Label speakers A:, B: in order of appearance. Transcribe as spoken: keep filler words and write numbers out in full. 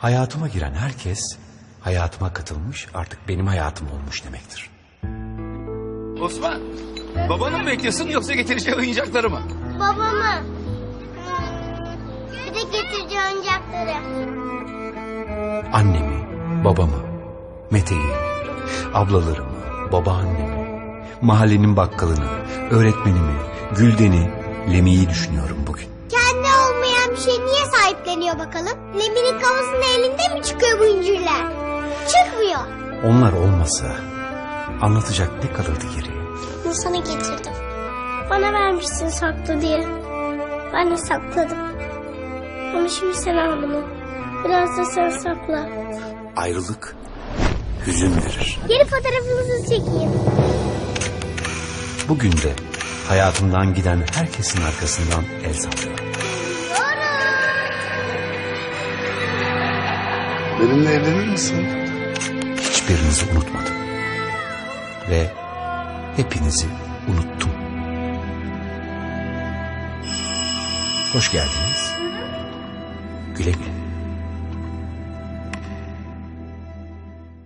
A: Hayatıma giren herkes hayatıma katılmış, artık benim hayatım olmuş demektir.
B: Osman, babanı mı bekliyorsun yoksa getireceği oyuncakları mı?
C: Babamı. Bir de getireceği oyuncakları.
A: Annemi, babamı, Mete'yi, ablalarımı, babaannemi, mahallenin bakkalını, öğretmenimi, Gülden'i, Lemi'yi düşünüyorum bugün.
C: Kendi olmayan bir şey niye sahipleniyor bakalım? Lemi'nin kafasının elinde mi çıkıyor bu incirler? Çıkmıyor.
A: Onlar olmasa anlatacak ne kalırdı geriye?
C: Bunu sana getirdim. Bana vermişsin saklı diye. Ben de sakladım. Ama şimdi sen al bunu. Biraz da sen sakla.
A: Ayrılık hüzün verir.
C: Geri fotoğrafınızı çekeyim.
A: Bugün de hayatımdan giden herkesin arkasından el sallıyorum.
D: Benimle evlenir misin?
A: Hiçbirinizi unutmadım. Ve hepinizi unuttum. Hoş geldiniz. Güle güle.